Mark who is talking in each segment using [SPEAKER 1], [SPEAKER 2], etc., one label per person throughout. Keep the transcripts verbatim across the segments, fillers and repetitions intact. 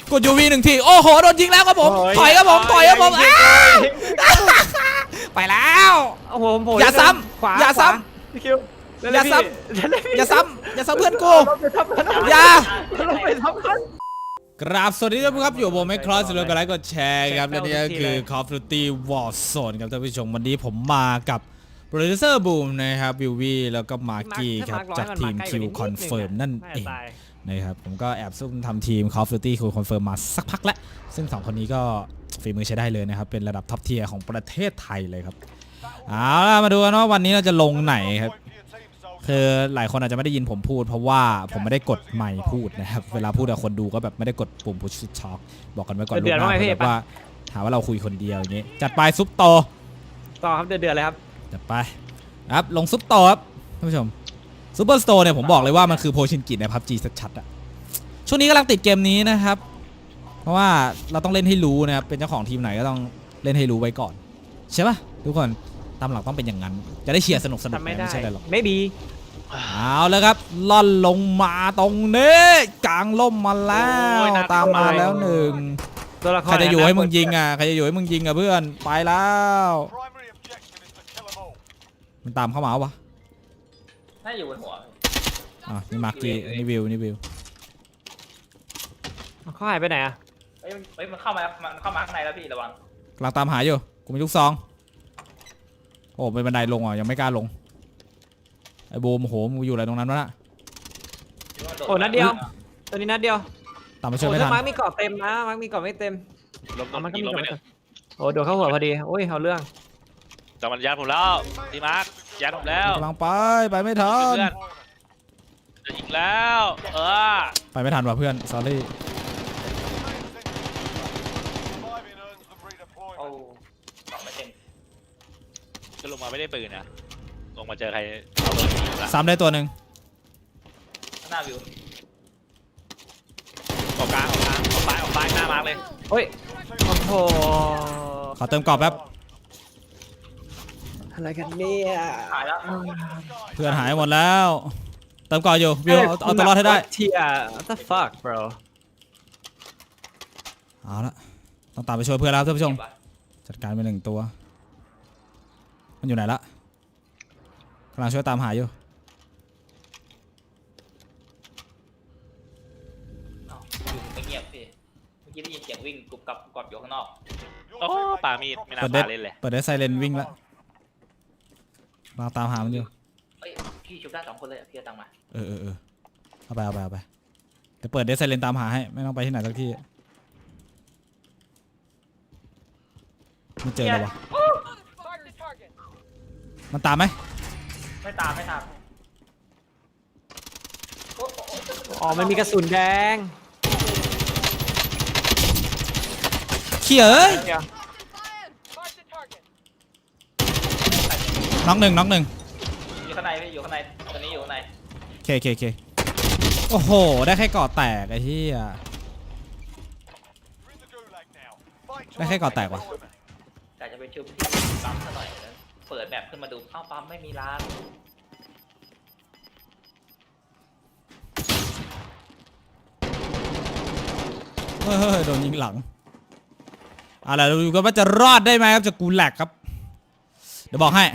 [SPEAKER 1] กดยูวีหนึ่งทีโอ้โหโดนยิงแล้วครับผมถอยครับผมถอยครับผมไปแล้วอย่าซ้ำอย่าซ้ำอย่าซ้ำอย่าซ้ำอย่าซ้ำเพื่อนกูอย่ากราบสวัสดีทุกท่านครับอยู่กับผมแมคครอสสำหรับกดไลค์กดแชร์ครับและนี่ก็คือ Call of Duty Warzone ครับท่านผู้ชมวันนี้ผมมากับโปรดิวเซอร์บูมนะครับวิววีแล้วก็มาร์กี้ครับจากทีม Q Confirm นั่นเองนะครับผมก็แอบซุ่มทำทีม Call of Duty Q Confirm มาสักพักแล้วซึ่งสองคนนี้ก็ฝีมือใช้ได้เลยนะครับเป็นระดับท็อปเทียร์ของประเทศไทยเลยครับเอาล่ะมาดูกันว่าวันนี้เราจะลงไหนครับคือหลายคนอาจจะไม่ได้ยินผมพูดเพราะว่าผมไม่ได้กดไมค์พูดนะครับเวลาพูดกับคนดูก็แบบไม่ได้กดปุ่ม push talk บอกกันไว้ก่อนลูกหน้าแบบว่าถามว่าเราคุยคนเดียวอย่างงี้จัดไปซุปโต
[SPEAKER 2] ต่อครับเดือดๆเลยครับ
[SPEAKER 1] จัดไปครับลงซุปโตครับท่านผู้ชมซูเปอร์สโตร์เนี่ยผมบอกเลยว่ามันคือโพชินกิใน พับจี ชัดๆอ่ะช่วงนี้กำลังติดเกมนี้นะครับเพราะว่าเราต้องเล่นให้รู้นะครับเป็นเจ้าของทีมไหนก็ต้องเล่นให้รู้ไว้ก่อนใช่ป่ะทุกคนตามหลักต้องเป็นอย่างนั้นจะได้เชียร์สนุกสนุกไม่ใช่อะไรหรอก
[SPEAKER 2] ไม่ดี
[SPEAKER 1] เอาแล้วครับล่อนลงมาตรงนี้กลางล่มมาแล้วตามมาแล้วหนึ่งใครจะอยู่ให้มึงยิงอ่ะใครจะอยู่ให้มึงยิงอ่ะเพื่อนไปแล้วมันตามเข้ามาวะ
[SPEAKER 3] น่าอยู่บนหัว
[SPEAKER 1] อ่ะนี่มาร์กี้นี่วิวนี่วิว
[SPEAKER 2] เขาหายไปไหนอ่ะ
[SPEAKER 3] เฮ้ยเฮ้ยมันเข้ามามันเข้ามาข้างในแล้วพี่ระวัง
[SPEAKER 1] กำลังตามหาอยู่กูมีลูกซองโอ้เป็นบันไดลงอ่ะยังไม่กล้าลงไอ้โบมโหมึงอยู่อะไรตรงนั้นวะน่ะ
[SPEAKER 2] โอ้นัดเดียวตัวนี้นัดเดียว
[SPEAKER 1] ตามมาช่วยไม่ทัน
[SPEAKER 2] มาร์กมีเกาะเต็มนะมาร์กมีเกาะไม่เต็มมันก็มีเกาะไม่เต็มโอ้โดนเข้าหัวพอดีโอ้ยเอาเรื่อง
[SPEAKER 3] จับมันยัดผมแล้วดีมาร์กยัดผมแล้ว
[SPEAKER 1] กำลังไปไปไม่ทัน
[SPEAKER 3] จะยิงแล้วเออ
[SPEAKER 1] ไปไม่ทันว่ะเพื่อน sorry
[SPEAKER 3] โอ้สองไม่เต็มจะลงมาไม่ได้ปืนนะลงมาเจอใคร
[SPEAKER 1] ซ้ำได้ตัวหนึ่ง
[SPEAKER 3] หน้าวิวออกกลางออกกลางออกซ้ายออกซ้ายหน้ามาร์กเลย
[SPEAKER 2] เฮ้ยโอ้โห
[SPEAKER 1] ขอเติมกรอบแป๊บ
[SPEAKER 2] อะไรกันเนี่ย
[SPEAKER 3] หายแล้ว
[SPEAKER 1] เพื่อนหายหมดแล้วเติมกรอบอยู่วิวเอาตัวรอดให้ได้
[SPEAKER 2] เทีย what the fuck bro
[SPEAKER 1] เอาละต้องตามไปช่วยเพื่อนแล้วท่านผู้ชมจัดการไปหนึ่งตัวมันอยู่ไหนละกำลังช่วยตามหาอยู่
[SPEAKER 3] ไม่เงียบพี่เมื่อกี้ได้ยินเสียงวิ่งกรุบกรับกรอบอยู่ข้างนอกโอ้ป่ามีดไม่น่าป่าเล่นเลย
[SPEAKER 1] เปิดได้ไซเรนวิ่งแล้วเราตามหามันอยู่
[SPEAKER 3] เฮ้ยพี่ชุบได้สองคนเลยพี่ตังมา
[SPEAKER 1] เออเออเออเอาไปเอาไปเอาไปจะเปิดได้ไซเรนตามหาให้ไม่ต้องไปที่ไหนสักที่ไม่เจอเลยวะมันตามไหม
[SPEAKER 3] ไม่ตามไม่ตาม
[SPEAKER 2] อ๋อมันมีกระสุนแดง
[SPEAKER 1] เขี่ยเอ้ยน็อกหนึ่งน็อกหนึ่ง
[SPEAKER 3] อยู่ข้างในพี่อยู่ข้างในตอนนี้อยู่ข้างใน
[SPEAKER 1] เคเคเคโอ้โหได้แค่ก่อแตกไอ้ที่อ่ะได้แค่ก่อแตกวะ
[SPEAKER 3] แต่จะไปชุบที่ปั๊มซะหน่อยเปิดแบบขึ้นมาดูเข้าปั๊มไม่มีร้าน
[SPEAKER 1] เฮ้ยโดนยิงหลังอะไรดูกันว่าจะรอดได้ไหมครับจะกูแหลกครับเดี๋ยวบอกให้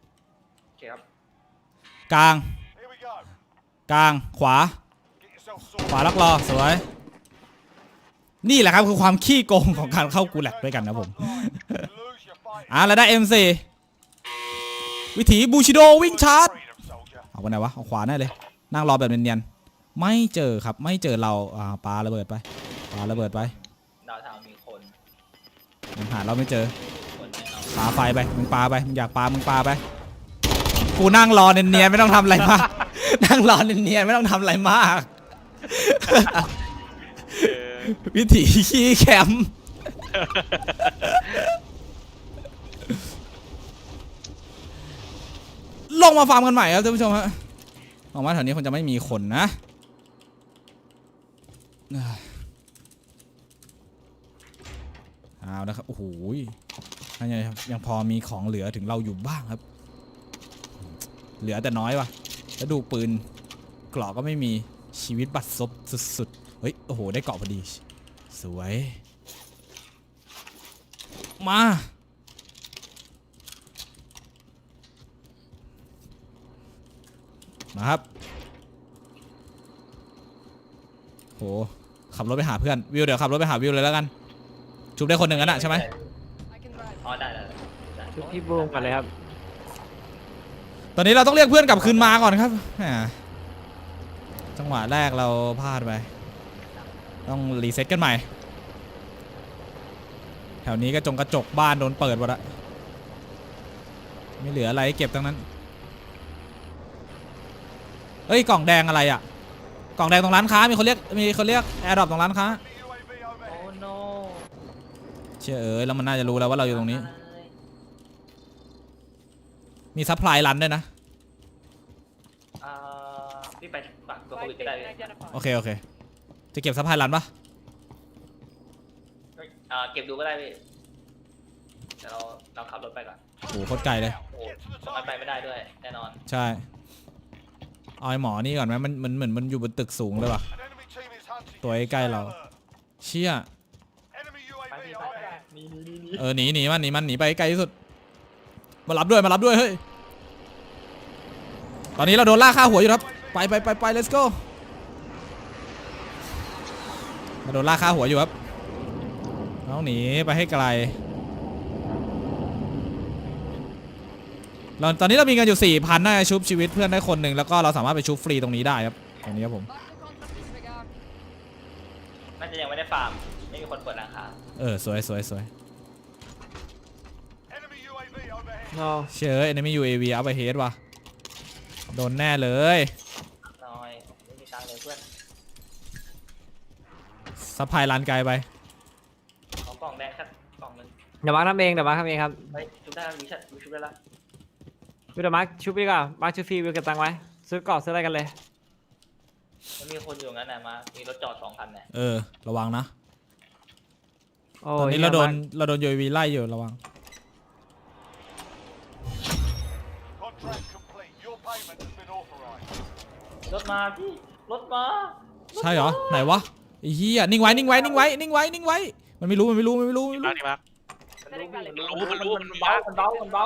[SPEAKER 1] กลางกลางขวาขวาล็อกรอสวยนี่แหละครับคือความขี้โกงของการเข้ากูแหลกด้วยกันนะผมอ่ะแล้วได้ เอ็ม โฟร์ วิถีบูชิโดวิ่งชาร์จเอาไปไหนวะเอาขวาแน่เลยนั่งรอแบบเนียนๆไม่เจอครับไม่เจอเราอ่าปาระเบิดไปปาระเบิดไป
[SPEAKER 3] ดาวทางมีคน
[SPEAKER 1] ยังหาเราไม่เจอปาไฟไปมึงปาไปมึงอยากปามึงปาไปกูนั่งรอเนียนๆไม่ต้องทำอะไรมากนั่งรอเนียนๆไม่ต้องทำอะไรมากวิถีขี้แคมลงมาฟาร์มกันใหม่ครับท่านผู้ชมฮะหวังว่าแถวนี้คงจะไม่มีคนนะเอาละครับโอ้โหยังยังพอมีของเหลือถึงเราอยู่บ้างครับเหลือแต่น้อยวะแล้วดูปืนกรอกก็ไม่มีชีวิตบัดซบสุดๆเฮ้ยโอ้โหได้เกาะพอดีสวยมามาครับโหขับรถไปหาเพื่อนวิวเดี๋ยวขับรถไปหาวิวเลยแล้วกันชุบได้คนหนึ่งกันอะใช่ไหม
[SPEAKER 3] อ๋อได้ได้ได้
[SPEAKER 2] ชุดพี่บูมกันเลยครับ
[SPEAKER 1] ตอนนี้เราต้องเรียกเพื่อนกลับคืนมาก่อนครับแหมจังหวะแรกเราพลาดไปต้องรีเซ็ตกันใหม่แถวนี้กระจงกระจกบ้านโดนเปิดหมดละไม่เหลืออะไรให้เก็บทั้งนั้นเฮ้ยกล่องแดงอะไรอ่ะกล่องแดงตรงร้านค้ามีคนเรียกมีคนเรียกแอร์ดรอปตรงร้านค้า
[SPEAKER 3] โอ้ no
[SPEAKER 1] เชื่อเอ้ยแล้วมันน่าจะรู้แล้วว่าเราอยู่ตรงนี้มีซัพพลายรันด้วยนะ
[SPEAKER 3] อ่าพี่ไปฝากตัวปืนก็ได้พี่
[SPEAKER 1] โอเคโอเคจะเก็บซัพพลายรันปะ
[SPEAKER 3] อ่าเก็บดูก็ได้พี่เดี๋ยวเราเราขับรถไปก่อน
[SPEAKER 1] โอ้โหโคตรไกลเลย
[SPEAKER 3] โอ้ตรงนั้นไปไม่ได้ด้วยแน่นอน
[SPEAKER 1] ใช่เอาไอ้หมอนี่ก่อนไหมมันมันเหมือนมันอยู่บนตึกสูงเลยว่ะตัวใกล้ๆเราเชี่ย
[SPEAKER 3] ไปพี่ไปนี่นี่นี่นี่
[SPEAKER 1] เออหนีหนีมันหนีมันหนีไปไกลที่สุดมารับด้วยมารับด้วยเฮ้ยตอนนี้เราโดนล่าฆ่าหัวอยู่ครับไปไปไปไป let's go มาโดนล่าฆ่าหัวอยู่ครับต้องหนีไปให้ไกลเราตอนนี้เรามีเงินอยู่ สี่พัน น่าจะชุบชีวิตเพื่อนได้คนหนึ่งแล้วก็เราสามารถไปชุบฟรีตรงนี้ได้ครับตรงนี้ครับผม
[SPEAKER 3] น่าจะยังไม่ได้ฟาร์มไม่มีคนเปิดราคา
[SPEAKER 1] เออสวยสวยสวย
[SPEAKER 2] เนาะ
[SPEAKER 1] เชื่อ enemy ยู เอ วี up ahead ว่ะโดนแน่เลย
[SPEAKER 3] น้อยไม่มีตังค์เลยเพื่อน
[SPEAKER 1] ซัพพลายรันไกลไป
[SPEAKER 3] ขอกล่องแดงแค่กล่องหนึง
[SPEAKER 2] เดี๋ยวมาร์คทำเองเดี๋ยวมาร์คทำเองครับ
[SPEAKER 3] เฮ้ยชุบได้แล้วมีชัดมีชุบได้แล้ว
[SPEAKER 2] วิวเดี๋ยวมาร์คชุบดีกว่ามาร์คชุบฟรีวิวเก็บตังค์ไว้ซื้อกรอบซื้ออะไรกันเลย
[SPEAKER 3] มันมีคนอยู่งั้นนะมามีรถจอดสองคันเนี่ย
[SPEAKER 1] เออระวังนะ
[SPEAKER 2] โอ้
[SPEAKER 1] ตอนนี้
[SPEAKER 2] ย
[SPEAKER 1] เราโดน
[SPEAKER 2] หี้ย
[SPEAKER 1] เราโดนยู เอ วี ไล่อยู่ระวัง
[SPEAKER 3] รถมาพี่รถมา
[SPEAKER 1] ใช่เหรอไหนวะไอ้เหี้ยนิ่งไว้นิ่งไว้นิ่งไว้นิ่งไว้นิ่งไว้มันไม่รู้มันไม่รู้มันไม่รู้มันไม่รู้
[SPEAKER 3] นี่มามันรู้มันรู้มันรู้มันเบามันเบามันเบา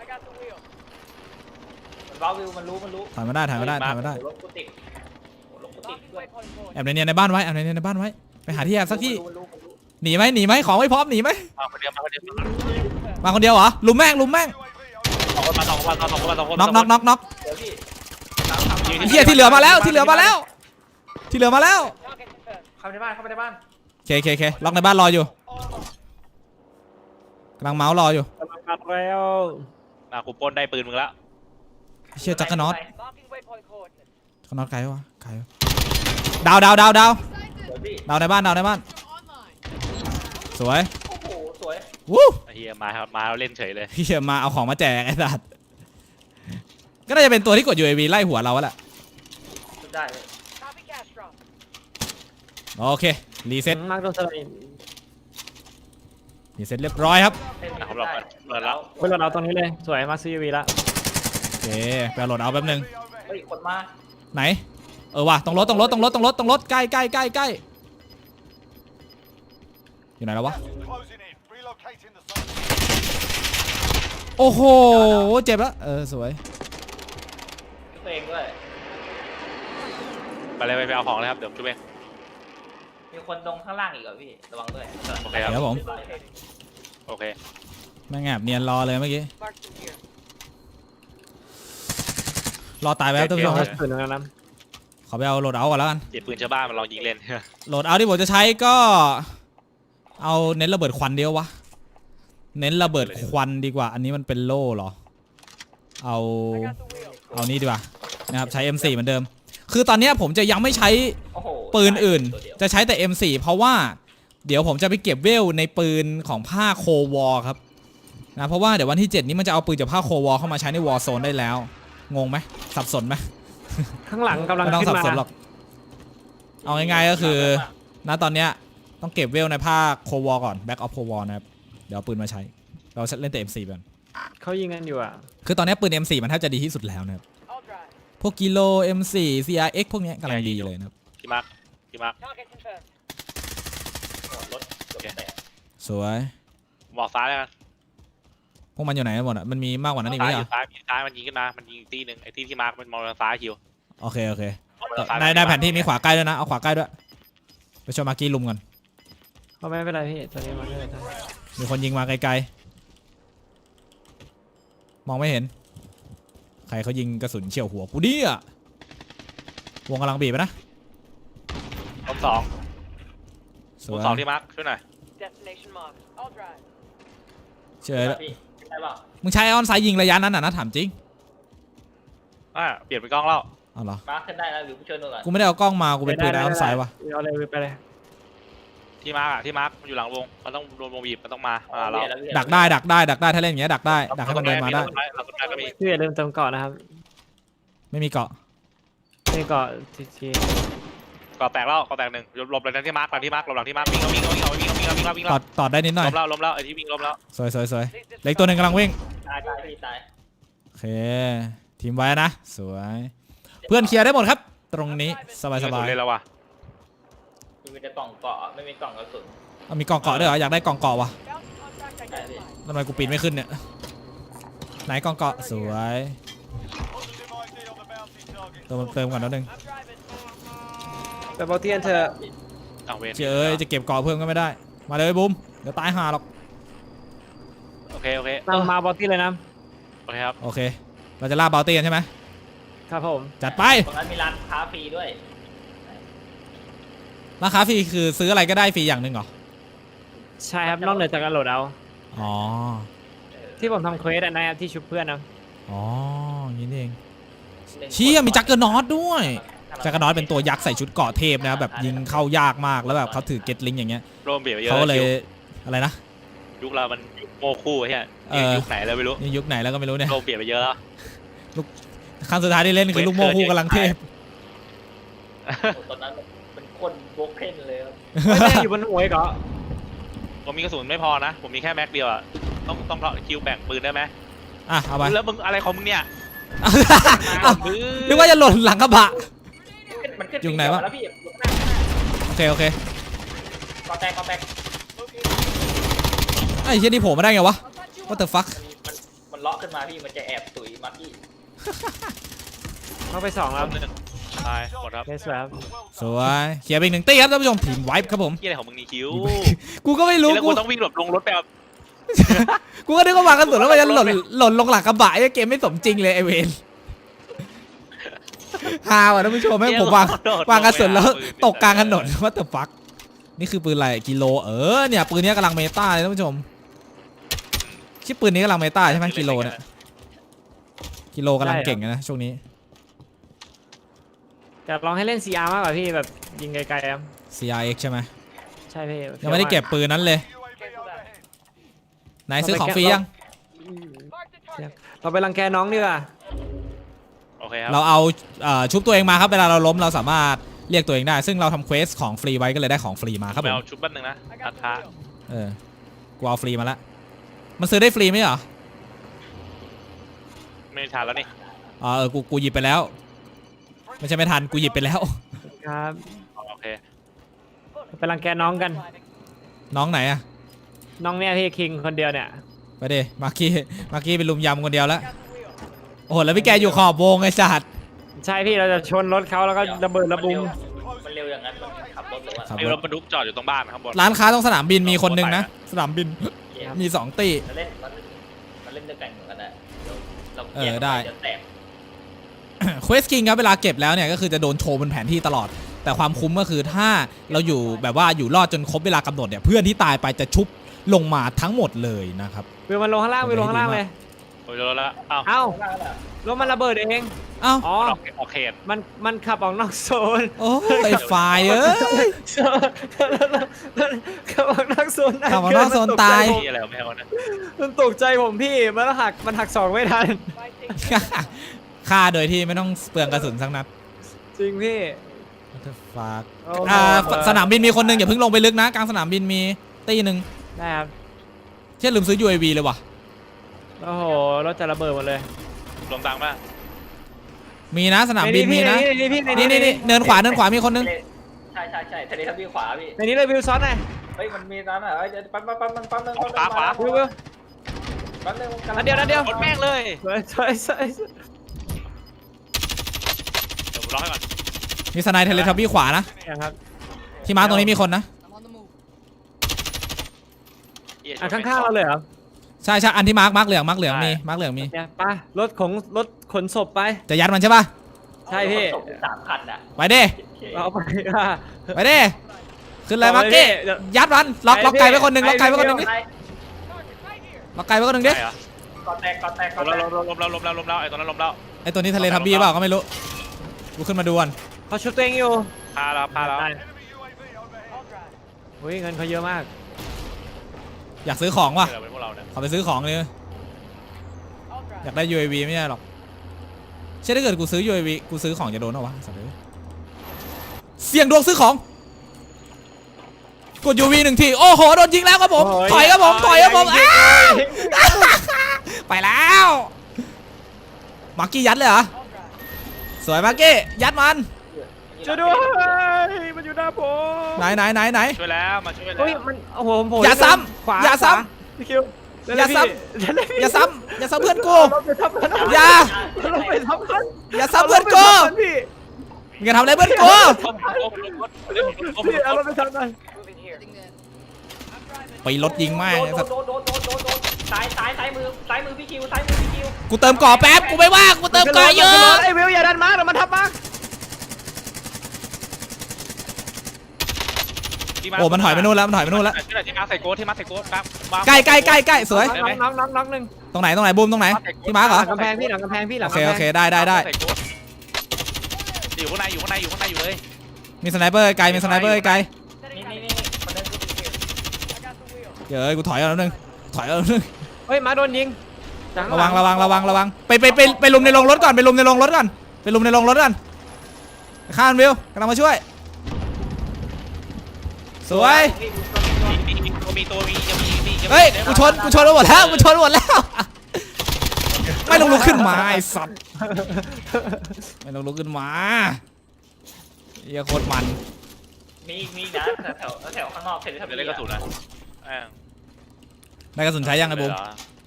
[SPEAKER 3] มันเบาวิวมันรู้มันรู้
[SPEAKER 1] ถ่ายมาได้ถ่ายมาได้ถ่ายมาได้
[SPEAKER 3] รถกูติดรถกูติดด้วย
[SPEAKER 1] แอบในเนียนในบ้านไว้แอบในเนียนในบ้านไว้ไปหาที่แอบสักที่
[SPEAKER 3] มันรู้มันรู้
[SPEAKER 1] หนีไหมหนีไหมของไม่พร้อมหนีไหม
[SPEAKER 3] มาคนเดียวมาคนเดียว
[SPEAKER 1] มาคนเดียวเหรอลุมแม่งลุมแม่ง
[SPEAKER 3] สองคนมาสองคนมาสองคนมาสองคน
[SPEAKER 1] น็อกน็อกน็อกน็อก
[SPEAKER 3] เดี๋ยวพี่
[SPEAKER 1] ไอ้เหี้ยที่เหลือมาแล้วที่เหลือมาแล้ว ที่เหลือมาแล้ว
[SPEAKER 3] เข้าไปในบ้านเข้าไปในบ้าน
[SPEAKER 1] เคเคเคล็อกในบ้านรออยู่กำลังเมาส์รออยู่
[SPEAKER 2] มาแล้ว
[SPEAKER 3] มากูปล้นได้ปืนมึงแล้ว
[SPEAKER 1] เชี่ยจักรน็อตจักรน็อตไกลวะไกลวะดาวดาวดาวดาว
[SPEAKER 3] เดี๋ยวพี่
[SPEAKER 1] ดาวในบ้านดาวในบ้านสวย
[SPEAKER 3] โอ้โหสวย
[SPEAKER 1] วู้
[SPEAKER 3] เฮียมาครับมาเราเล่นเฉยเลย
[SPEAKER 1] เฮียมาเอาของมาแจกไอ้สัสก็น่าจะเป็นตัวที่กด ยู เอ วี ไล่หัวเราแหละ
[SPEAKER 3] ชุดได้เลย
[SPEAKER 1] โอเครีเซ็ต
[SPEAKER 2] มาร์คโดนสไลด์
[SPEAKER 1] รีเซ็ตเรียบร้อยครับ
[SPEAKER 3] นะครับเราเปิดแล้ว
[SPEAKER 2] เว้ยเราเอาตรงนี้เลยสวยมาร์คซีวีละ
[SPEAKER 1] โอเคไปเอาโหลดเอาแป๊บนึง
[SPEAKER 3] เฮ้ยคนมา
[SPEAKER 1] ไหนเออว่ะตรงรถตรงรถตรงรถตรงรถตรงรถใกล้ใกล้ใกล้ใกล้อยู่ไหนแล้ววะโอ้โหเจ็บแล้วเออสวย
[SPEAKER 3] ตัวเองด้วยไปเลยไปเอาของเลยครับเดี๋ยวช่วยเองมีคนตรงข้างล่างอีกเหรอพี่ระวังด้วยโอเคครับ
[SPEAKER 1] ครับผม
[SPEAKER 3] โอเค
[SPEAKER 1] แม่งแอบเนียนรอเลยเมื่อกี้รอตายไปแล้วท่านผู้ชม
[SPEAKER 2] เอา
[SPEAKER 1] ครับ
[SPEAKER 2] สุดแล้วนะ
[SPEAKER 1] ขอไปเอาโหลดเอาก่อนแล้วกัน
[SPEAKER 3] เจ็บปืนชาวบ้านมันลองยิงเล่น
[SPEAKER 1] โหลดเอาที่ผมจะใช้ก็เอาเน้นระเบิดควันเดียววะเน้นระเบิดควันดีกว่าอันนี้มันเป็นโล่เหรอเอาเอานี่ดีกว่านะครับใช้ เอ็ม โฟร์ เหมือนเดิมคือตอนนี้ผมจะยังไม่ใช้
[SPEAKER 3] โอ้โห
[SPEAKER 1] ปืนอื่นจะใช้แต่ เอ็ม โฟร์ เพราะว่าเดี๋ยวผมจะไปเก็บเวลในปืนของภาคโควอครับนะเพราะว่าเดี๋ยววันที่เจ็ดนี้มันจะเอาปืนจากภาคโควอเข้ามาใช้ในวอร์โซนได้แล้วงงไหมสับสนไหม
[SPEAKER 2] ข้างหลังกำลัง
[SPEAKER 1] ไม่ต้อง
[SPEAKER 2] ขึ้
[SPEAKER 1] สับ
[SPEAKER 2] นมา
[SPEAKER 1] สนหรอกเอาง่ายๆก็คือณตอนเนี้ยต้องเก็บเวลในภาคโควอก่อนแบ็กออฟโควอนะครับเดี๋ยวเอาปืนมาใช้เราเล่นแต่ เอ็ม โฟร์ ก่อน
[SPEAKER 2] เขายิงกันอยู่อ่ะ
[SPEAKER 1] คือตอนนี้ปืน เอ็ม โฟร์ มันแทบจะดีที่สุดแล้วนะครับพวกกิโล เอ็ม โฟร์ ซี อาร์ เอ็กซ์ พวกเนี้ยกำลังดีเลยนะครับ
[SPEAKER 3] พี่มาร์คพี่มาร์คร
[SPEAKER 1] สวย
[SPEAKER 3] บอกซ้ายแล้วกัน
[SPEAKER 1] พวกมันอยู่ไหนกันหมดอ่ะมันมีมากกว่านั้นอีกไหม
[SPEAKER 3] ซ้ายอ
[SPEAKER 1] เหรอยู่
[SPEAKER 3] ซ้ายมีซ้ายมันยิงขึ้นมามันยิงอีกตีหนึ่งไอ้ที่ที่มาร์คมันมองทางซ้ายคิว
[SPEAKER 1] โอเคโอเค
[SPEAKER 3] ทางซ้าย
[SPEAKER 1] ในในแผนที่มีขวาใกล้ด้วยนะเอาขวาใกล้ด้วยไปช่วยมาร์กี้ลุมก่อน
[SPEAKER 2] เขาไม่เป็นไรพี่ตัวนี้มันไม่เป็นไร
[SPEAKER 1] มีคนยิงมาไกลๆมองไม่เห็นใครเขายิงกระสุนเฉี่ยวหัวกูดิอ่ะวงกำลังบีบไปนะ
[SPEAKER 3] ลบสอง
[SPEAKER 1] ส
[SPEAKER 3] ล
[SPEAKER 1] ว
[SPEAKER 3] บ
[SPEAKER 1] ย
[SPEAKER 3] สองที่มาร์คช่วยหน่อย
[SPEAKER 4] Destination marked. I'll drive.
[SPEAKER 1] เฉยแล้ว
[SPEAKER 3] พี่ได้ป่ะ
[SPEAKER 1] มึงใช้ออนไซด์ยิงระยะนั้นน่ะนะถามจริง
[SPEAKER 3] อ่าเปลี่ยนเป็นกล้องแล้ว
[SPEAKER 1] เอาเหรอ
[SPEAKER 3] มาร์คขึ้นได้แล้วหรือผู้ช่วยนู่นก่อน
[SPEAKER 1] กูไม่ได้เอากล้องมากูเป็นปืนไอออนไซด์ว่ะ
[SPEAKER 2] เอาเลยไปเลย
[SPEAKER 3] ที่มาร์คอะที่มาร์คมันอยู่หลังวงมันต้องโดนวงบีบมันต้องมามาเรา
[SPEAKER 1] ดักได้ดักได้ดักได้ถ้าเล่นอย่างเงี้ยดักได้ดักให้มันเดินมาได้
[SPEAKER 3] เราก็ได้ก็มี
[SPEAKER 2] พี่อย่าลืมเติมเกาะนะครับ
[SPEAKER 1] ไม่มีเกาะ
[SPEAKER 2] นี่เกาะทีที
[SPEAKER 3] ก่อแตกแล้วก่อแตกหนึ่งหลบหลังที่มาร์คหลังที่มาร์คหลบหลังที่มาร์ควิ่งวิ่งวิ่งวิ่งวิ่งวิ่งวิ่งวิ่ง
[SPEAKER 1] ตอดตอดได้นิดหน่อย
[SPEAKER 3] ล้มแล้วล้มแล้วไอ้ที่วิ่งล้มแล้ว
[SPEAKER 1] สวยสวยสวยเหล็กตัวหนึ่งกำลังวิ่ง
[SPEAKER 3] ตายตายพี่ตาย
[SPEAKER 1] โอเคทีมไว้นะสวยเพื่อนเคลียร์ได้หมดครับ ตรงนี้สบายสบาย
[SPEAKER 3] เลยแล้วว่ะ
[SPEAKER 5] มีแต่กล่องเกาะไม่มีกล่องกระสุน
[SPEAKER 1] เอามีกล่องเกาะด้วยเหรออยากได้กล่องเกาะวะ
[SPEAKER 4] Bounty contract identified.
[SPEAKER 1] ทำไมกูปีนไม่ขึ้นเนี่ยไหนกล่องเกาะสวยเติมเติมก่อนนิดนึง
[SPEAKER 4] I'm driving.
[SPEAKER 2] แต่บอลเทียนเธอ
[SPEAKER 3] เอาเวน
[SPEAKER 1] เจ้ยจะเก็บเกาะเพิ่มก็ไม่ได้มาเลยบูมเดี๋ยวตายห่าหรอก
[SPEAKER 3] โอเคโอเค
[SPEAKER 2] นำมาบอลตี้เลยนะ
[SPEAKER 3] โอเคครับ
[SPEAKER 1] โอเคเราจะล่าบาลเตียนใช่ไหม
[SPEAKER 2] ครับผม
[SPEAKER 1] จัดไป
[SPEAKER 5] ตรงนั้นมีร้านค้าฟรีด้วย
[SPEAKER 1] ราคาฟรีคือซื้ออะไรก็ได้ฟรีอย่างหนึ่งเหรอ
[SPEAKER 2] ใช่ครับนอกเหนือจากการโหลดเอา
[SPEAKER 1] อ๋อ
[SPEAKER 2] ที่ผมทำเควสอะนะครับที่ชุบเพื่อนนะ
[SPEAKER 1] อ๋ออย่างนี้นี่เองเชี่ยมีจักเกอร์นอตด้วยจักเกอร์นอตเป็นตัวยักษ์ใส่ชุดเกราะเทพนะครับแบบยิงเข้ายากมากแล้วแบบเขาถือเก็ตลิงอย่างเงี้ย
[SPEAKER 3] โรมเบียดเยอะ
[SPEAKER 1] เขาก็เลยอะไรนะ
[SPEAKER 3] ยุคเรามันโมคู่ใช่ไหม
[SPEAKER 1] เออ
[SPEAKER 3] ยุคไหนแล้วไม่รู้
[SPEAKER 1] นี่ยุคไหนแล้วก็ไม่รู้เนี่ย
[SPEAKER 3] โรมเบียดไปเยอะแล้ว
[SPEAKER 1] ครั้งสุดท้ายที่เล่นคือลูกโม่คู่กำลังเทพ
[SPEAKER 5] ตอนนั้นเป็นคนโบกเพ่นเลยครับ
[SPEAKER 2] ไม่ได้อยู่บนหัวอีกเหรอ
[SPEAKER 3] ผมมีกระสุนไม่พอนะ ผมมีแค่แม็กเดียวอะต้องต้องคิวแบ่งปืนได้ไหม
[SPEAKER 1] อ่ะเอาไป
[SPEAKER 3] แล้วมึงอะไรของมึงเนี่ย
[SPEAKER 1] อ้าวนึกว่าจะหล่นหลังกระบะ
[SPEAKER 5] มันขึ้น
[SPEAKER 1] อยู่ไหนวะ
[SPEAKER 5] แล้วพี่
[SPEAKER 1] โอเคโอเค
[SPEAKER 5] กอแตกกอแตก
[SPEAKER 1] ไอ้เชี่ยนี่โผล่มาได้ไงวะ What the fuck
[SPEAKER 5] มันมันมันเลาะขึ้นมาพี่มันจะแอบตุ๋ยมาพี่
[SPEAKER 2] เข้าไปสองแล้ว
[SPEAKER 3] ตายหมดครับ
[SPEAKER 2] เยสครับ
[SPEAKER 1] สวยเคลียร์ไปอีกหนึ่งตีครับท่านผู้ชมทีมไวป์ครับผม
[SPEAKER 3] ที่อะไรของมึงนี่คิว
[SPEAKER 1] กูก็ไม่รู้
[SPEAKER 3] แล้ว
[SPEAKER 1] กู
[SPEAKER 3] กูต้องวิ่งหลบลงรถไปเอา
[SPEAKER 1] กูก็นึกว่าวางกระสุนแล้วมันจะหล่นหล่นลงหลังกระบะไอ้เกมไม่สมจริงเลยไอเวนฮาวอ่ะท่านผู้ชมแม่งผมวางวางกระสุนแล้วตกกลางถนนว่าแต่ฟักนี่คือปืนอะไรกิโลเออเนี่ยปืนนี้กำลังเมตาเลยท่านผู้ชมชื่อปืนนี้กำลังเมตาใช่ไหมกิโลเนี่ยกิโลกำลังเก่งนะช่วงนี้
[SPEAKER 2] จะลองให้เล่น ซี อาร์ มากกว่าพี่แบบยิงไกลๆครับ
[SPEAKER 1] ซี อาร์ เอ็กซ์ ใช่ไหม
[SPEAKER 2] ใช่พี่
[SPEAKER 1] ยังไม่ได้เก็บปืนนั้นเลย
[SPEAKER 4] Cancel that.
[SPEAKER 1] ไหนซื้อของฟรียัง
[SPEAKER 4] Mark the target.
[SPEAKER 2] เราไปรังแกน้องดีกว่า
[SPEAKER 3] โอเคครับ
[SPEAKER 1] เราเอาเอ่อชุบตัวเองมาครับเวลาเราล้มเราสามารถเรียกตัวเองได้ ซึ่งเราทำเควสของฟรีไว้ก็เลยได้ของฟรีมาครับ
[SPEAKER 3] ไป
[SPEAKER 1] ผม
[SPEAKER 3] เอาชุดแป๊บนึงนะราคา
[SPEAKER 1] เออกูเอาฟรีมาละมันซื้อได้ฟรีไหมเหรอ
[SPEAKER 3] ไม่ทันแล้วนี่
[SPEAKER 1] อ๋อเออกูกูหยิบไปแล้วไม่ใช่ไม่ทันกูหยิบไปแล้ว
[SPEAKER 2] ครับ
[SPEAKER 3] โอเค
[SPEAKER 2] ไปรังแกน้องกัน
[SPEAKER 1] น้องไหนอะ
[SPEAKER 2] น้องเนี่ยพี่คิงคนเดียวเนี่ย
[SPEAKER 1] ไปดิมาร์กี้มาร์กี้เป็นลุมยำคนเดียวแล้วโอ้โหแล้วพี่แกอยู่ขอบวงไอ้สัตว์
[SPEAKER 2] ใช่พี่เราจะชนรถเขาแล้วก็ระเบิดระบุม
[SPEAKER 5] มันเร็วอย่างนั้นมันขับรถหรือว่า
[SPEAKER 1] ครับ
[SPEAKER 3] ไอ้รถบรรทุกจอดอยู่ตรงบ้านข้างบน
[SPEAKER 1] ร้านค้าตรงสนามบินมีคนหนึงนะสนามบิน
[SPEAKER 5] เกม
[SPEAKER 1] มีสองตี
[SPEAKER 5] มันเล่นมันมันเล่นด้วยกันเหมือนกันนะเรา
[SPEAKER 1] เออได้
[SPEAKER 5] เดี๋ยวแตก
[SPEAKER 1] เควสคิงครับเวลาเก็บแล้วเนี่ยก็คือจะโดนโชว์บนแผนที่ตลอด แต่ความคุ้มก็คือถ้าเราอยู่แบบว่าอยู่รอดจนครบเวลากำหนดเนี่ยเพื่อนที่ตายไปจะชุบลงมาทั้งหมดเลยนะครับ
[SPEAKER 2] วิวมันลงข้างล่างวิวลงข้างล่างเลย
[SPEAKER 3] โอ้ยรถแล้วอ้าว
[SPEAKER 2] เอ้า รถมันระเบิดเอง
[SPEAKER 1] เอ้า
[SPEAKER 2] อ๋อ
[SPEAKER 3] ออกออกเขต
[SPEAKER 2] มันมันขับออกนอกโซน
[SPEAKER 1] โอ้ยไอ้ไฟล์เอ้ย
[SPEAKER 2] ขับออกนอกโซน
[SPEAKER 1] ขับออกนอกโซนตาย
[SPEAKER 3] ที่อะไรของแมวนะ
[SPEAKER 2] มันตกใจผมพี่มันหักมันหักสองไม่ทัน
[SPEAKER 4] Buy station.
[SPEAKER 1] ฆ่าโดยที่ไม่ต้องเปลืองกระสุนสักนัด
[SPEAKER 2] จริงพี่
[SPEAKER 1] What the fuck
[SPEAKER 2] โอ้
[SPEAKER 1] อ่าสนามบินมีคนหนึงอย่าเพิ่งลงไปลึกนะกลางสนามบินมีตีหนึ่ง
[SPEAKER 2] ได้ครับ
[SPEAKER 1] เช่นลืมซื้อ ยู เอ วี เลยว่ะ
[SPEAKER 2] โอ้โหรถจะระเบิดหมดเลย
[SPEAKER 3] รวมตังค์ป่ะ
[SPEAKER 1] มีนะสนามบินมีนะ
[SPEAKER 2] นี่พี่
[SPEAKER 1] นี่นี่นี่เนินขวาเนินขวามีคนนึง
[SPEAKER 5] ใช่ใช่ใช่ทะเลทับบี้ขวาพี่
[SPEAKER 2] ในนี้เลยวิวซ้อนหน่อย
[SPEAKER 5] เฮ้ยมันมีร้านอ่ะเอ้ยปั๊มปั๊มปั๊มปั๊มปั๊มปั๊ม
[SPEAKER 3] ขวาขวา
[SPEAKER 2] วิววิว
[SPEAKER 5] ปั๊มหนึ่ง
[SPEAKER 2] นัดเดียวนัดเดียว
[SPEAKER 3] กดแม่งเลย
[SPEAKER 2] สวยสวยสวย
[SPEAKER 3] เดี๋ยวผมล็อกให้ก่อน
[SPEAKER 1] มีสไนเทเลทับบี้ขวานะ
[SPEAKER 2] นะครับ
[SPEAKER 1] ที่มาร์คตรงนี้มีคนนะ
[SPEAKER 2] อ่ะข้างๆเราเลยเหรอ
[SPEAKER 1] ใช่ใช่อันที่มาร์คมาร์คเหลืองมาร์คเหลืองมีมาร์คเหลืองมี
[SPEAKER 2] เนี่ยไปรถของรถขนศพไป
[SPEAKER 1] จะยัดมันใช่ป่ะ
[SPEAKER 2] ใช่พี่
[SPEAKER 5] สามคันอ่ะ
[SPEAKER 1] ไปดิ
[SPEAKER 2] เอาไปอ่ะ
[SPEAKER 1] ไปดิขึ้นเลยมาร์คกี้ยัดมันล็อกล็อกไก่ไว้คนหนึ่งล็อกไก่ไว้คนหนึ่งดิล็อกไก่ไว้คนหนึ่งดิ
[SPEAKER 3] ใช่เหรอ
[SPEAKER 5] ก่อนแตกก่อนแตกก่
[SPEAKER 3] ล
[SPEAKER 5] อน
[SPEAKER 3] ม
[SPEAKER 5] แต
[SPEAKER 3] แล้ว
[SPEAKER 5] ก
[SPEAKER 3] ลมแล้วลมแล้วลมแล้วไอ้ตัวนั้นลมแล้ว
[SPEAKER 1] ไอตัวนี้ทะเลทับบี้เปล่าก็ไม่รู้กูขึ้นมาดูก่อน
[SPEAKER 2] เขาชุดตัวเองอยู่
[SPEAKER 3] พาเราพาเรา
[SPEAKER 2] ได้อุ้ยเงินเขาเยอะมาก
[SPEAKER 1] อยากซื้อของว่ะ
[SPEAKER 3] เดี๋ยวเป็นพวกเราเนี่ย
[SPEAKER 1] ขอไปซื้อของเลยอยากได้ ยู เอ วี ไม่ใช่หรอกใช่ถ้าเกิดกูซื้อ ยู เอ วี กูซื้อของจะโดนเหรอวะสัตว์เลยเสี่ยงดวงซื้อของกด ยู วี หนึ่งทีโอ้โหโดนยิงแล้วครับผมถอยครับผมถอยครับผมอ้าวไปแล้วมาร์กี้ยัดเลยเหรอสวยมาร์กี้ยัดมัน
[SPEAKER 2] ช่วยด้วยมันอยู่หน้าผม
[SPEAKER 1] ไหนไหนไหนไหน
[SPEAKER 3] ช่วยแล้วมาช่วยแล้ว
[SPEAKER 2] เฮ้ยมันโอ้โหผมโผล่
[SPEAKER 1] อย่าซ้
[SPEAKER 2] ขวา
[SPEAKER 1] ำอย่าซ้
[SPEAKER 2] พี่คิว
[SPEAKER 1] อย่าซ้ำ ำอย่าซ้ำอย่าซ้ำเพื่อนกู
[SPEAKER 2] เราไปทับมัน
[SPEAKER 1] อย่า
[SPEAKER 2] เราไปทับมัน
[SPEAKER 1] อย่าซ้ำเพื่อนกู
[SPEAKER 2] พี่
[SPEAKER 1] มึงอย่าทำอะไรเพื่อนกู
[SPEAKER 2] พี่เอาเราไปทับมัน
[SPEAKER 1] ไปรถยิงแม่ง
[SPEAKER 5] โด
[SPEAKER 1] ไอ้
[SPEAKER 5] น
[SPEAKER 1] สัตว์
[SPEAKER 5] โดนโดนโดนโดนโดนซ้ายซ้ายซ้ายมือซ้ายมือพี่คิวซ้ายมือพี่คิว
[SPEAKER 1] กูเติมก่อแป๊บกูไม่ว่างกูเติมก่อเยอะ
[SPEAKER 2] ไอ้วิวอย่าดันมาเดี๋ยวมันทับมา
[SPEAKER 1] โอ้มันถอยไปนู่นแล้วมันถอยไปนู่นแล้ว
[SPEAKER 3] ที่ไหนที่มาใส่โก้ที่มาใส่โก้ครับ
[SPEAKER 1] ใกล้ใกล้ใกล้ใกล้สวย
[SPEAKER 2] น้องน้องน้องน้องหนึ่ง
[SPEAKER 1] ตรงไหนตรงไหนบูมตรงไหนที่มาร์คเหร
[SPEAKER 2] ห
[SPEAKER 1] อ
[SPEAKER 2] ลังกำแพงพี่หลังกำแพงพี่หลั
[SPEAKER 1] โอง เค
[SPEAKER 2] กำแพง
[SPEAKER 1] โอเคได้ได้ได้
[SPEAKER 3] อยู่ข้างในอยู่ข้างในอยู่ข้างในอยู่เลย
[SPEAKER 1] มีสไนเปอร์ไกลมีสไนเปอร์ไกล
[SPEAKER 5] นี่นี่นี่คนนั้นคือพี่คิว
[SPEAKER 1] เดี๋ยวกูถอยเอาแล้วนึงถอยเอาแล้วนึง
[SPEAKER 2] เฮ้ยมาโดนยิง
[SPEAKER 1] ระวังระวังระวังระวังไปไปไปไปลุมในโรงรถก่อนไปลุมในโรงรถก่อนไปลุมในโรงรถก่อนข้ามวิวกำลังมาช่วยสวย
[SPEAKER 3] มีมีตัวมีตัวมียังมีมี
[SPEAKER 1] เฮ้ยกูชนกูชนไปหมดแล้วกูชนไปหมดแล้วไม่ลงลุกขึ้นมาไอ้สัตว์ไม่ลงลุกขึ้นมาเหี้ยโคตรมัน
[SPEAKER 5] มีมีนะแถวแถวข้างนอกเสร็จแล้ว
[SPEAKER 3] จะเล่นกระสุนนะ
[SPEAKER 1] ได้กระสุนใช้ยังไงบูม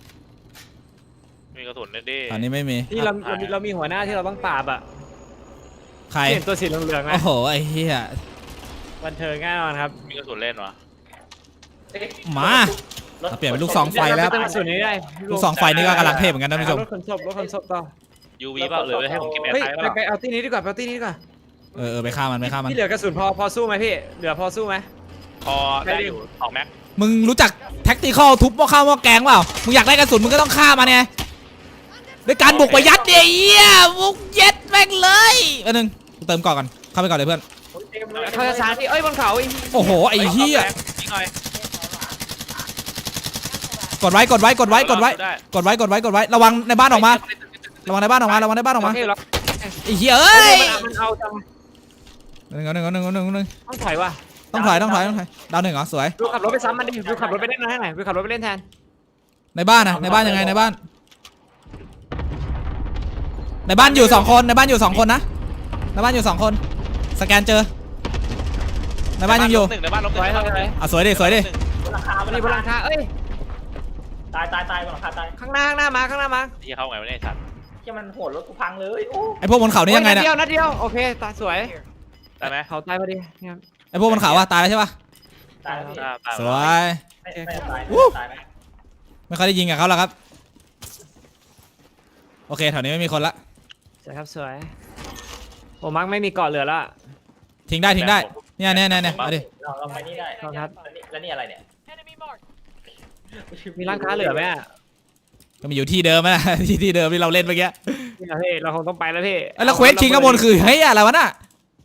[SPEAKER 3] มีกระสุนดิ
[SPEAKER 1] อันนี้ไม่มี
[SPEAKER 2] ที่เราเรามีเรามีหัวหน้าที่เราต้องปราบอ่ะ
[SPEAKER 1] ใคร
[SPEAKER 2] เห็นตัวสีเหลืองๆไหม
[SPEAKER 1] โอ้โหไอ้เหี้ย
[SPEAKER 2] บันเทิงแน่นอนครับ
[SPEAKER 3] มีกระสุนเล่นวะ
[SPEAKER 1] มาเราเปลี่ยนเป็นลูกซองไฟแล้ว
[SPEAKER 2] เดี๋ยเราไปตั้งส่วนนี้ได้
[SPEAKER 1] ลูกซองไฟนี่ก็กำลังเทพเหมือนกันนะท่านผู้ชม
[SPEAKER 2] รถขนศพรถขนศพต่อ
[SPEAKER 3] ยูวีเปล่าหรือให้ผมเก็บแอร์
[SPEAKER 2] เฮ้ย
[SPEAKER 3] ไทย
[SPEAKER 2] ไป
[SPEAKER 3] เปล่า
[SPEAKER 2] ไปเอาที่นี้ดีกว่าไปเอาที่นี้ดีกว่า
[SPEAKER 1] เออเออไปฆ่ามันไปฆ่ามัน
[SPEAKER 2] พี่เหลือกระสุนพอพอสู้ไหมพี่เหลือพอสู้ไหม
[SPEAKER 3] พอได้อยู่สองแม็ก
[SPEAKER 1] มึงรู้จักแท็กติคอลทุบหม้อข้าวหม้อแกงเปล่ามึงอยากได้กระสุนมึงก็ต้องฆ่ามันไงด้วยการบุกไปยัดเดียเหี้ยบุกยัดแม่งเลยอันนึงกูเติมก่อนก่อนเข้าไปก่อนเลยเพื่อน
[SPEAKER 2] เขาจะชาร์จพี่เอ้ยบนเขาไอ้
[SPEAKER 1] โอ้โหไอ้เหี้ย
[SPEAKER 3] ยิงหน่อย
[SPEAKER 1] กดไว้กดไว้กดไว้กดไว้กดไว้กดไว้กดไว้ระวังในบ้านออกมาระวังในบ้านออกมาระวังในบ้านออกมา
[SPEAKER 2] โอเคหรอ
[SPEAKER 1] ไอ้เหี้ยเอ้ย
[SPEAKER 2] มันเอาจัง
[SPEAKER 1] หนึ่งหนึ่งหนึ่งหนึ่งหนึ่งหนึ่ง
[SPEAKER 2] ต้องถอยว่ะ
[SPEAKER 1] ต้องถอยต้องถอยต้องถอยดาวหนึ่งเหรอสวย
[SPEAKER 2] วิวขับรถไปซ้ำมันดิวิวขับรถไปเล่นให้หน่อยวิวขับรถไปเล่นแทน
[SPEAKER 1] ในบ้านนะในบ้านยังไงในบ้านในบ้านอยู่สองคนในบ้านอยู่สองคนนะในบ้านอยู่สองคนสแกนเจอในบ้านยังอยู่
[SPEAKER 3] หนึ่งในบ้านลบห
[SPEAKER 2] ถอยถอยถอย
[SPEAKER 1] อ่ะสวยดิสวยดิ
[SPEAKER 5] บนหลังคา
[SPEAKER 2] มันมีบนหลังคาเอ้ย
[SPEAKER 5] ตายตายตายบนหลังคาตาย
[SPEAKER 2] ข้างหน้าข้างหน้ามาข้างหน้ามา
[SPEAKER 3] ที่เขาไงไม่ได้ชัด
[SPEAKER 5] ที่มันโหดรถกูพังเลยโอ้
[SPEAKER 1] ไอพวกบนเขานี่ยังไง
[SPEAKER 2] นัด
[SPEAKER 1] เนี่ย
[SPEAKER 2] เดียวนัดเดียวโอเคตาสวย
[SPEAKER 3] ได้ไหม
[SPEAKER 2] เขาตายพอดีเนี่ย
[SPEAKER 1] ไอพวกบนเขาอะตายแล้วใช่ปะ
[SPEAKER 5] ตายแล้วพี่
[SPEAKER 1] สวย
[SPEAKER 5] ไม่ไม่ตายตายไหม
[SPEAKER 1] ไม่ค่อยได้ยิงกับเขาแล้วครับโอเคแถวนี้ไม่มีคนละ
[SPEAKER 2] สวยครับสวยโอ้มักไม่มีเกาะเหลือแล้ว
[SPEAKER 1] ทิ้งได้ทิ้งได้เนี่ยเนี่ยเนี่ยเนี่ยเอาดิ
[SPEAKER 5] เราเราไปนี่ได้
[SPEAKER 2] ครับ
[SPEAKER 5] แล้วนี่อะไรเนี่ย
[SPEAKER 4] Enemy marked.
[SPEAKER 2] มีร้านค้าเหลือไหมอ่ะ
[SPEAKER 1] ก็มีอยู่ที่เดิมนะ ที่ที่เดิมที่เราเล่นเมื่อกี้
[SPEAKER 2] นี่นะพี่เราคงต้องไปแล้วพี่
[SPEAKER 1] เอ้ยแล้วเควสคิงข้างบนคือเฮ้ยอะไรวะน่ะ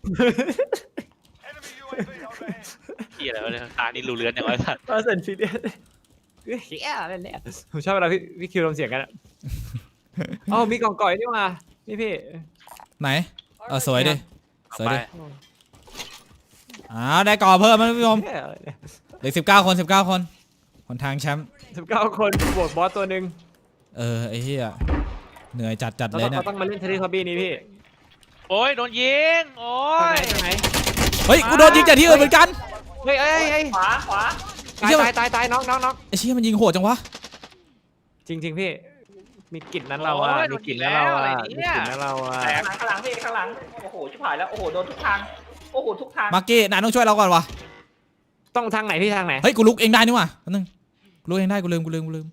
[SPEAKER 3] ที่อะไรวะเนี่ยตานี่รูเรือนอย่างไรสัตว์
[SPEAKER 2] เปอร์เซ็นต์ซีเรียสเฮ้ยเฮียอะไรเนี่ยผมชอบเวลาพี่พี่คิวลมเสียงกันอ่ะอ๋อมีกล่องก่อยนี่มานี่พี่
[SPEAKER 1] ไหนเออสวยดิสวย
[SPEAKER 3] ไป
[SPEAKER 1] ดิอ้าวได้ก่อเพิ่มมั้ยพี่ชมเหลือสิบเก้าคนสิบเก้าคนคนทางแชมป์
[SPEAKER 2] สิบเก้าคนบวกบอสตัวหนึ่ง
[SPEAKER 1] เออไอ้เหี้ยเหนื่อยจัดจัด
[SPEAKER 2] เรา
[SPEAKER 1] เลย
[SPEAKER 2] ต้อง
[SPEAKER 1] เนี่ย
[SPEAKER 2] เราต้องมาเล่นเทเลคอบี้นี้พี่
[SPEAKER 3] โอ้ยโดนยิงโอ้
[SPEAKER 2] ทางไหน
[SPEAKER 3] ย
[SPEAKER 2] ทางไหน
[SPEAKER 1] เฮ้ยกูโดนยิงจากที่อื่นเหมือนกัน
[SPEAKER 2] เฮ้ยเฮ้ยเฮ้ย
[SPEAKER 5] ขวาขวา
[SPEAKER 2] ตายตายตายตายน้องน้องน้อง
[SPEAKER 1] ไอ้เชี่ยมันยิงโหดจังวะ
[SPEAKER 2] จริงจริงๆพี่มีกลิ่นนั้นเราอะมีกลิ่นนั้นเราอะมีกลิ่นนั้นเราอะ
[SPEAKER 5] ข้างหลังข้างหลังพี่ข้างหลังโอ้โหชิบหายแล้วโอ้โหโดนทุกทางโอ้โหทุกทาง
[SPEAKER 1] มาร์กี้นายต้องช่วยเราก่อนวะ
[SPEAKER 2] ต้องทางไหนพี่ทางไหน
[SPEAKER 1] เฮ้ยกูลุกเองได้นี่หว่าแป๊บนึงกูลุกเองได้กูลืมกูลืมกูลืม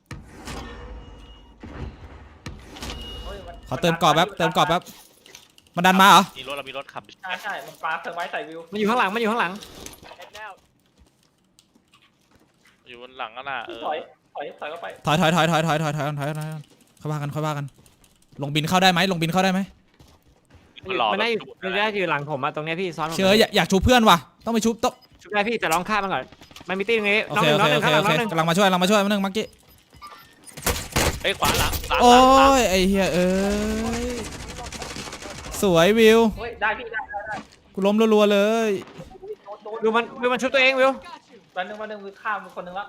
[SPEAKER 5] ฮ้ยน
[SPEAKER 1] ขอเติมกรอบแป๊บเติมกรอบแป๊บมันดันมาเหรอ
[SPEAKER 3] มีรถเรามีรถขับ
[SPEAKER 5] ใช่ใช่มันปลาเธอไว้ใส่วิว
[SPEAKER 2] มันอยู่ข้างหลังมันอยู่ข้างหลัง
[SPEAKER 4] Heading out.
[SPEAKER 3] อยู่บนหลังนั่นน่ะเออ
[SPEAKER 5] ถอยถอยถอยเข้าไป
[SPEAKER 1] ถอยถอยถอยถอยถอยถอยถอยถอยถอยถอยค่อยว่ากันค่อยว่ากัน ลงบินเข้าได้ไหมลงบินเข้าได้ไหม
[SPEAKER 3] มันหล่อ
[SPEAKER 2] มันได้อยู่
[SPEAKER 3] แบบ
[SPEAKER 2] มันได้อยู่หลังผมอะตรงเนี้ยพี่ซ้อนผม
[SPEAKER 1] เชื่ออยากอยากชูเพื่อนว่ะต้องไปชุบต้อง
[SPEAKER 2] ชุบได้พี่แต่ลองฆ่ามันก่อนมันมีตีตรงนี้
[SPEAKER 1] โอ
[SPEAKER 2] น้อง
[SPEAKER 1] เค
[SPEAKER 2] หนึ่ง
[SPEAKER 1] โอ
[SPEAKER 2] น้อง
[SPEAKER 1] เค
[SPEAKER 2] หนึ่
[SPEAKER 1] โอง เค
[SPEAKER 2] ข้างหลังน้องหนึ่ง
[SPEAKER 1] โอเคกำลังมาช่วยกำลังมาช่วยมาหนึ่งมาร์กี้
[SPEAKER 3] เฮ้ยขวาหลังหลัง
[SPEAKER 1] โอ้
[SPEAKER 3] หลัง
[SPEAKER 1] ยไอ้เหี้ยเอ้ยสวยวิว
[SPEAKER 5] เฮ้ยได้พี่ได้ได้ได้
[SPEAKER 1] กูล้มรัวๆเลย
[SPEAKER 5] โดนโดน
[SPEAKER 2] วิวมันวิวมันชุบตัวเองวิว
[SPEAKER 5] วันหนึ่งวันหนึ่งวิวข้ามคนหนึ่งแล้ว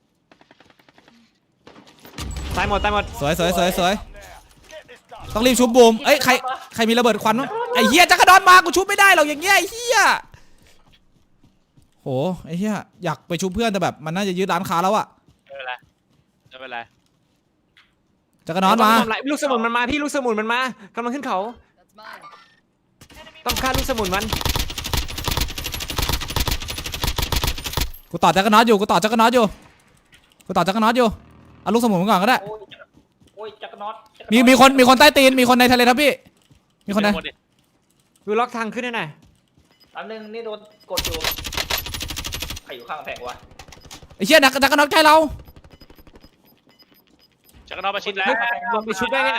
[SPEAKER 2] ตายหมดตายหมด
[SPEAKER 1] สวยสวยสวยสวยต้องรีบชุบบูมเอ้ยใครใครมีระเบิดควันมั้งไอ้เหี้ยจักรดอนมากูชุบไม่ได้หรอกอย่างเงี้ยไอ้เหี้ยโหไอ้เหี้ยอยากไปชุบเพื่อนแต่แบบมันน่าจะยึดร้านค้าแล้วอะ
[SPEAKER 3] ไม่เป็นไรไม่เป็นไร
[SPEAKER 1] จักรดอนมา
[SPEAKER 2] ทำไรลูกสมุนมันมาพี่ลูกสมุนมันมากำลังขึ้นเขา
[SPEAKER 4] That's mine.
[SPEAKER 2] ต้องฆ่าลูกสมุนมัน
[SPEAKER 1] กูต่อจักรน็อตอยู่กูต่อจักรน็อตอยู่กูต่อจักรน็อตอยู่เอาลูกสมุนมาก่อนก็ได้
[SPEAKER 5] โอ้ยจักรโอ้ยจักรน็อตจักร
[SPEAKER 1] มี
[SPEAKER 5] น็อต
[SPEAKER 1] มีคนมีคนใต้ตีนมีคนในทะเลทับพี่มีคนไหน
[SPEAKER 3] เดี๋ยวดิ
[SPEAKER 2] วิวล็อกทางขึ้นให้หน่อย
[SPEAKER 5] อันหนึ่งนี่โดนกดอยู่ใครอยู่ข้างกำแพงวะ
[SPEAKER 1] ไอ้เชี่ยจักรจักรน็อตใกล้เรา
[SPEAKER 3] จักรนอกมาชิดแล้ว
[SPEAKER 2] ลงไปชุบได้เนี่ย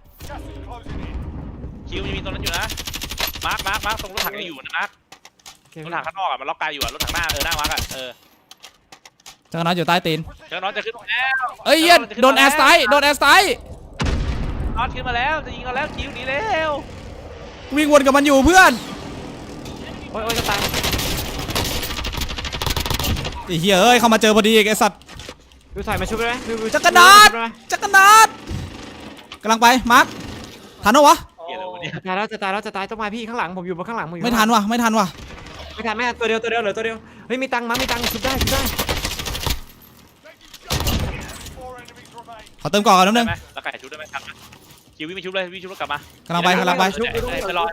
[SPEAKER 3] คิวยังมีตรงนั้นอยู่นะมาร์คมาร์คมาร์คตรงรถถังยังอยู่นะมาร์ค
[SPEAKER 2] โอเค
[SPEAKER 3] รถถังข้างนอกอ่ะมันล็อกกายอยู่อ่ะรถถังหน้าเออหน้ามาร์คอ่ะเออ
[SPEAKER 1] จักรน็อตอยู่ใต้ตีน
[SPEAKER 3] จักรนอกจะขึ้นมาแล้ว
[SPEAKER 1] เอ้ยเหี้ยโดนแอร์สไตล์โดนแอร์สไตล์
[SPEAKER 3] น็อตขึ้นมาแล้วจะยิงเราแล้วคิวหนีเร็ว
[SPEAKER 1] วิ่งวนกับมันอยู่เพื่อน
[SPEAKER 2] โอ้ยโอ้ยจะตาย
[SPEAKER 1] ไอ้เหี้ยเอ้ยเข้ามาเจอพอดีอีกไอ้สัตว์
[SPEAKER 2] วิวถอยมาชุบได้ไหมวิววิว
[SPEAKER 1] จักรน็อต
[SPEAKER 2] ชุบได้ไหม
[SPEAKER 1] จักรน็อตกำลังไปมาร์คทันเหรอวะ
[SPEAKER 3] เหี้ยอะไรวะเนี่ย
[SPEAKER 2] จะตายแล้วจะตายแล้วจะตายต้องมาพี่ข้างหลังผมอยู่บนข้างหลังผมอยู่
[SPEAKER 1] ไม่ทันวะไม่ทันวะ
[SPEAKER 2] ไม่ทันไม่ทันตัวเดียวตัวเดียวเหลือตัวเดียวเฮ้ยมีตังค์มั้ยมีตังค์ชุบได้ชุบได้
[SPEAKER 1] ขอเติมก่อนก่อนนิดนึ
[SPEAKER 3] ได้
[SPEAKER 1] ง
[SPEAKER 3] ไหมแล้วไก่ชุบได้ไหมครับคิววิ่งไปชุบเลยวิ่งชุบแล้วกลับมาก
[SPEAKER 1] ำลังไปกำลังไป
[SPEAKER 3] ชุบไปรอ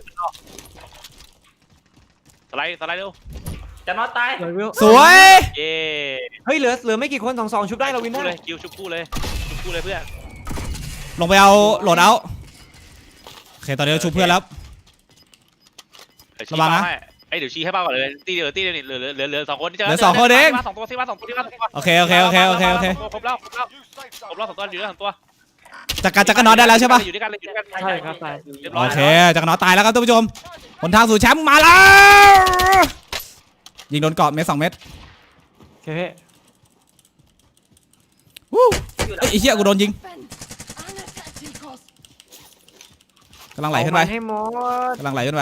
[SPEAKER 3] สไลด์สไลด์เร็ว
[SPEAKER 5] จักรน็อตตาย
[SPEAKER 2] สวยวิว
[SPEAKER 1] สวย
[SPEAKER 3] เย้
[SPEAKER 2] เฮ้ยเหลือเหลือไม่กี่คนสองสองชุบได้เราวิน
[SPEAKER 3] ชุบ
[SPEAKER 2] ได้
[SPEAKER 3] เลยคิวชุบคู่เลยชุบคู่เลยเพื่อน
[SPEAKER 1] ลงไปเอาโหลดเอาโอเคตอนนี้เราชุบเพื่อนแล้ว
[SPEAKER 3] เดี๋ยวชี้
[SPEAKER 1] ระวังนะ
[SPEAKER 3] เป้าให้ไอ้ยเดี๋ยวชี้ให้เป้าก่อนเลยตีเดียวตีเดียวนี่เหลือเหลือเหลือเหลือสองคนเจอ
[SPEAKER 1] เหลือสองคนเอง
[SPEAKER 3] มาสองตัวที่มาสองตัวที่มาสองตัว
[SPEAKER 1] โอเคโอเคโอเคโอเคโอเค
[SPEAKER 3] ครบแล้วครบแล้วครบแล้วสองตัวอยู่ด้วยสองตัว
[SPEAKER 1] จักรจักรน็อตได้แล้วใช่ปะ
[SPEAKER 3] อยู่ด้วยกันเลยอยู่ด้วยกัน
[SPEAKER 2] ใช่ครับตาย
[SPEAKER 3] เรียบร้อ
[SPEAKER 1] โอย เคจักรน็อตตายแล้วครับท่านผู้ชมหนทางสู่แชมป์มาแล้ว ยิงโดนเกาะเม็ดสองเม็ด
[SPEAKER 2] โอเคพี่
[SPEAKER 1] วู้เอ้ยไอ้เหี้ยกูโดนยิง
[SPEAKER 4] Defend. Unattacking cost.
[SPEAKER 1] กำลังไหลขึ้นไป
[SPEAKER 2] เอามันให้หมด
[SPEAKER 1] กำลังไหลขึ้นไป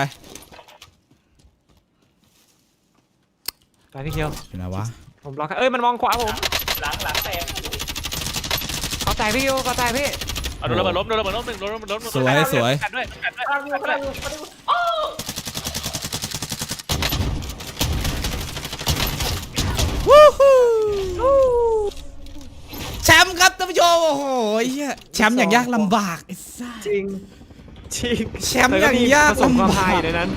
[SPEAKER 2] ไปพี่เคียว
[SPEAKER 1] อยู่ไหนวะ
[SPEAKER 2] ผมล็อกให้เอ้ยมันมองขวาผม
[SPEAKER 5] หลังหลังแตก
[SPEAKER 2] เขาตายพี่เคียวเขาตายพี่
[SPEAKER 3] เอาโดนระเบิดล้มโดนระเบิดล้มหนึ่งโดนระเบิดล้ม
[SPEAKER 1] สวยสวย
[SPEAKER 3] กันด้วยกันด้วย
[SPEAKER 5] ข้างวิวข้างวิวข้างวิวโอ้
[SPEAKER 1] วู้ฮู้แชมป์ครับท่านผู้ชมโอ้โหไอ้เหี้ยแชมป์อย่างยากลำบากไอ้สัส
[SPEAKER 2] จริงจริง
[SPEAKER 1] แชมป์อย่างยาก
[SPEAKER 2] ผสมความ
[SPEAKER 1] ลำบาก
[SPEAKER 2] พายอยู่ในนั้น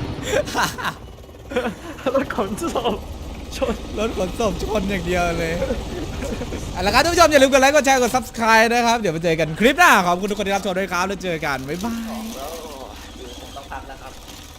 [SPEAKER 2] รถขนศพชน
[SPEAKER 1] รถขนศพชนอย่างเดียวเลยเอาละครับท่านผู้ชมอย่าลืมกดไลค์กดแชร์กด ซับสไครบ์ นะครับเดี๋ยวมาเจอกันคลิปหน้าขอบคุณทุกคนที่รับชมด้วยครับแล้วเจอกันบ๊ายบาย
[SPEAKER 5] แล้วอยู่ผมต้องพักแล้วครับ